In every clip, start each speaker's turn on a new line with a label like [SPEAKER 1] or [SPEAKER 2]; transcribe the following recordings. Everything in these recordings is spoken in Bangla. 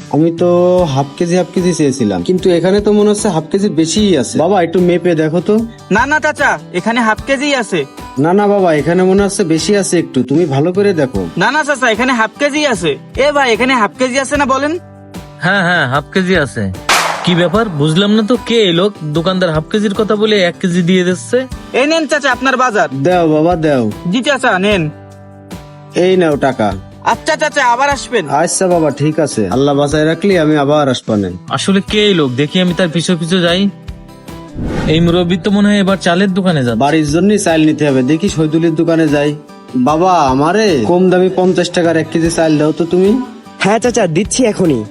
[SPEAKER 1] আমি তো হাফ কেজি চেয়েছিলাম, কিন্তু এখানে তো মনে হচ্ছে হাফ কেজির বেশিই আছে। বাবা একটু মেপে দেখো তো।
[SPEAKER 2] না না চাচা, এখানে হাফ কেজি আছে।
[SPEAKER 1] না না বাবা, এখানে মনে হচ্ছে বেশি আছে, একটু তুমি ভালো করে দেখো।
[SPEAKER 2] না না চাচা, এখানে হাফ কেজি আছে। এ ভাই, এখানে হাফ কেজি আছে না বলেন?
[SPEAKER 3] হ্যাঁ হ্যাঁ, হাফ কেজি আছে। কি ব্যাপার বুঝলাম না তো, কে এই লোক? দোকানদার হাফ কেজির কথা বলে 1 কেজি দিয়ে দিচ্ছে।
[SPEAKER 2] এই নেন চাচা আপনার বাজার।
[SPEAKER 1] দাও বাবা দাও।
[SPEAKER 2] জি চাচা নেন।
[SPEAKER 1] এই নাও টাকা।
[SPEAKER 2] আচ্ছা চাচা, আবার আসবেন।
[SPEAKER 1] আচ্ছা বাবা ঠিক আছে, আল্লাহ বাঁচায় রাখলি আমি আবার আসবানে।
[SPEAKER 3] আসলে কে এই লোক? দেখি আমি তার পিছু পিছু যাই। এই মুরব্বী তো মনে হয় এবার চালের দোকানে যাবে।
[SPEAKER 1] বাড়ির জন্য চাল নিতে হবে, দেখি শহীদুলের দোকানে যাই। বাবা আমারে কম দামি 50 টাকার 1 কেজি চাল দাও তো তুমি।
[SPEAKER 4] হ্যাঁ চাচা, দিচ্ছি এখনই।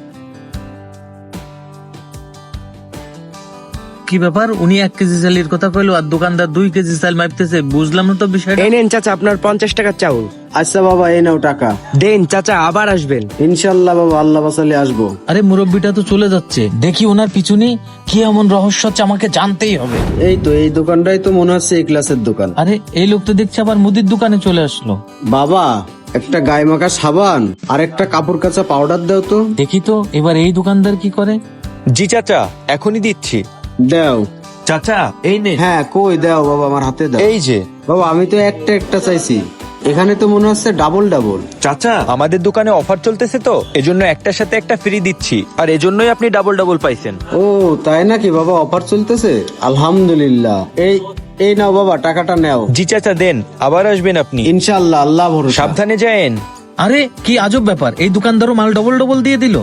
[SPEAKER 3] কি ব্যাপার, উনি 1 কেজি চালের কথা কইলো আর দোকানদার 2 কেজি চাল মাপতেছে? বুঝলাম না তো বিষয়টা।
[SPEAKER 4] এই নেন চাচা আপনার 50 টাকার চাউল।
[SPEAKER 1] আচ্ছা বাবা এই নাও টাকা।
[SPEAKER 4] দেন চাচা, আবার আসবেন।
[SPEAKER 1] ইনশাল্লাহ বাবা, আল্লাহ বাঁচালে আসবো।
[SPEAKER 3] আরে মুরব্বিটা তো চলে যাচ্ছে, দেখি ওনার পিছনে কি এমন রহস্য আছে, আমাকে জানতেই হবে।
[SPEAKER 1] এই তো এই দোকানটাই তো মনে হচ্ছে এই ক্লাসের দোকান।
[SPEAKER 3] আরে এই লোক তো দেখছি আবার মুদির দোকানে চলে আসলো।
[SPEAKER 1] বাবা একটা গায়ে মাখা সাবান আর একটা কাপড় কাচা পাউডার দাও তো।
[SPEAKER 3] দেখি তো এবার এই দোকানদার কি করে।
[SPEAKER 5] জি চাচা, এখনই দিচ্ছি।
[SPEAKER 1] দাও।
[SPEAKER 5] চাচা এই নে।
[SPEAKER 1] হ্যাঁ কই দাও বাবা, আমার হাতে দাও।
[SPEAKER 5] এই যে।
[SPEAKER 1] বাবা আমি তো একটা চাইছি, এখানে তো মনে হচ্ছে ডাবল।
[SPEAKER 5] চাচা আমাদের দোকানে অফার চলতেছে তো, এজন্য একটার সাথে একটা ফ্রি দিচ্ছি, আর এজন্যই আপনি ডাবল পাইছেন।
[SPEAKER 1] ও তাই নাকি বাবা, অফার চলতেছে? আলহামদুলিল্লাহ। এই নাও বাবা টাকাটা নাও।
[SPEAKER 5] জি চাচা দেন, আবার আসবেন আপনি
[SPEAKER 1] ইনশাআল্লাহ, আল্লাহ ভরসা।
[SPEAKER 5] সাবধানে যায়েন।
[SPEAKER 3] আরে কি আজব ব্যাপার, এই দোকানদারও মাল ডবল দিয়ে দিল।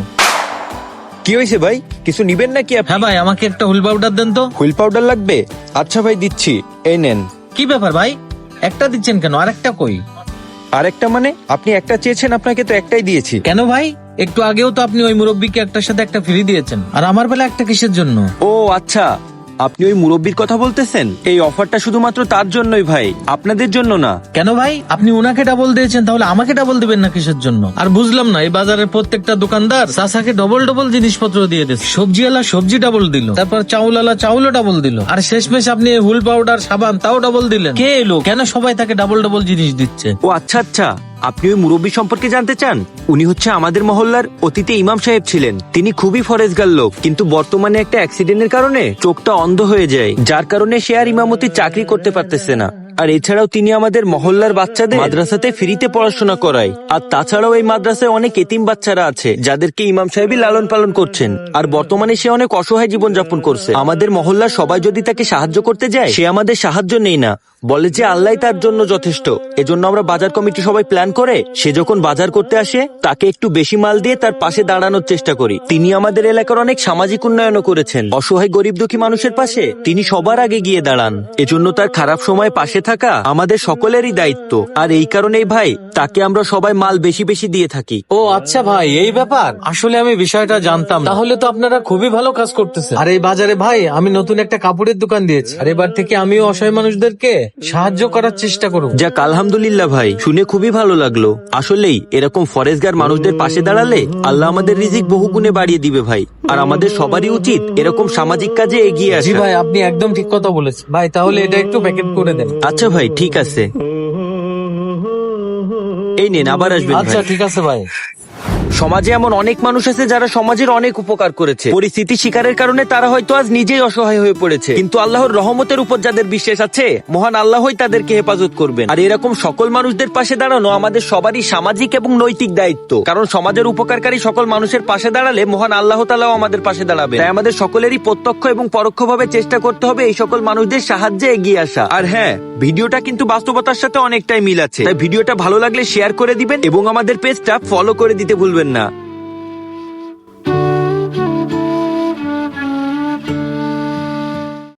[SPEAKER 5] কি হয়েছে ভাই, কিছু নিবেন নাকি আপনি?
[SPEAKER 3] হ্যাঁ ভাই, আমাকে একটা হুইল পাউডার দেন তো।
[SPEAKER 5] হুইল পাউডার লাগবে? আচ্ছা ভাই দিচ্ছি, এই নেন।
[SPEAKER 3] কি ব্যাপার ভাই, একটা দিচ্ছেন কেন, আর একটা কই?
[SPEAKER 5] আরেকটা মানে? আপনি একটা চেয়েছেন, আপনাকে তো একটাই দিয়েছি।
[SPEAKER 3] কেন ভাই, একটু আগেও তো আপনি ওই মুরব্বীকে একটার সাথে একটা ফ্রি দিয়েছেন, আর আমার বেলা একটা কিসের জন্য?
[SPEAKER 5] ও আচ্ছা, আপনি ওই মুরব্বির কথা বলতেছেন। এই অফারটা শুধুমাত্র তার জন্যই ভাই, আপনাদের জন্য না।
[SPEAKER 3] কেন ভাই, আপনি ওনাকে ডাবল দিয়েছেন, তাহলে আমাকে ডাবল দিবেন না কিসের জন্য? আর বুঝলাম না, এই বাজারের প্রত্যেকটা দোকানদার চাচাকে ডবল জিনিসপত্র দিয়ে দিচ্ছে। সবজিওয়ালা সবজি ডাবল দিল, তারপর চাউলওয়ালা চাউলও ডাবল দিল, আর শেষমেশ আপনি হুইল পাউডার সাবান তাও ডাবল দিলেন। কে এলো, কেন সবাই তাকে ডাবল জিনিস দিচ্ছে?
[SPEAKER 5] ও আচ্ছা আচ্ছা, আপনি ওই মুরব্বী সম্পর্কে জানতে চান? উনি হচ্ছে আমাদের মহল্লার অতীতে ইমাম সাহেব ছিলেন। তিনি খুবই ফরেজগার লোক, কিন্তু বর্তমানে একটা অ্যাক্সিডেন্টের কারণে চোখটা অন্ধ হয়ে যায়, যার কারণে সে আর ইমামতির চাকরি করতে পারতেছে না। আর এছাড়াও তিনি আমাদের মহল্লার বাচ্চাদের মাদ্রাসাতে ফ্রিতে পড়াশোনা করায়। আর তাছাড়াও এই মাদ্রাসায় অনেক এতিম বাচ্চারা আছে, যাদেরকে ইমাম সাহেবই লালন পালন করছেন। আর বর্তমানে সে অনেক অসহায় জীবন যাপন করছে। আমাদের মহল্লার সবাই যদি তাকে সাহায্য করতে যায়, সে আমাদের সাহায্য নেই না, বলে যে আল্লাহ তার জন্য যথেষ্ট। এজন্য আমরা বাজার কমিটি সবাই প্ল্যান করে, সে যখন বাজার করতে আসে তাকে একটু বেশি মাল দিয়ে তার পাশে দাঁড়ানোর চেষ্টা করি। তিনি আমাদের এলাকার অনেক সামাজিক উন্নয়নও করেছেন। অসহায় গরিব দুঃখী মানুষের পাশে তিনি সবার আগে গিয়ে দাঁড়ান। এজন্য তার খারাপ সময় পাশে থাকা আমাদের সকলেরই দায়িত্ব। আর এই কারণেই ভাই, তাকে আমরা সবাই মাল বেশি দিয়ে থাকি।
[SPEAKER 3] ও আচ্ছা ভাই, এই ব্যাপার। আসলে আমি বিষয়টা জানতাম না। তাহলে তো আপনারা খুবই ভালো কাজ করতেছেন। আর এই বাজারে ভাই আমি নতুন একটা কাপড়ের দোকান দিয়েছি, আর এবার থেকে আমিও অসহায় মানুষদেরকে সাহায্য করার চেষ্টা করব।
[SPEAKER 5] যাক আলহামদুলিল্লাহ ভাই, শুনে খুবই ভালো লাগলো। আসলেই এরকম ফরেজগার মানুষদের পাশে দাঁড়ালে আল্লাহ আমাদের রিজিক বহু গুণে বাড়িয়ে দিবে ভাই। আর আমাদের সবারই উচিত এরকম সামাজিক কাজে এগিয়ে
[SPEAKER 3] জি
[SPEAKER 5] আসা।
[SPEAKER 3] ভাই, আপনি একদম ঠিক কথা বলেছেন ভাই। তাহলে এটা একটু প্যাকেট করে দেন।
[SPEAKER 5] আচ্ছা ভাই ঠিক আছে, এই নেন, আবার আসবেন
[SPEAKER 3] আচ্ছা
[SPEAKER 5] ভাই।
[SPEAKER 3] ঠিক আছে ভাই।
[SPEAKER 5] সমাজে এমন অনেক মানুষ আছে যারা সমাজের অনেক উপকার করেছে। পরিস্থিতি শিকারের কারণে তারা হয়তো আজ নিজেই অসহায় হয়ে পড়েছে, কিন্তু আল্লাহর রহমতের উপর যাদের বিশ্বাস আছে, মহান আল্লাহই তাদেরকে হেফাজত করবেন। আর এরকম সকল মানুষদের পাশে দাঁড়ানো আমাদের সবারই সামাজিক এবং নৈতিক দায়িত্ব। কারণ সমাজের উপকারকারী সকল মানুষের পাশে দাঁড়ালে মহান আল্লাহ তাআলাও আমাদের পাশে দাঁড়াবে। তাই আমাদের সকলেরই প্রত্যক্ষ এবং পরোক্ষভাবে চেষ্টা করতে হবে এই সকল মানুষদের সাহায্যে এগিয়ে আসা। আর হ্যাঁ, ভিডিওটা কিন্তু বাস্তবতার সাথে অনেকটাই মিল আছে, তাই ভিডিওটা ভালো লাগলে শেয়ার করে দিবেন এবং আমাদের পেজটা ফলো করে দিতে ভুলবেন না।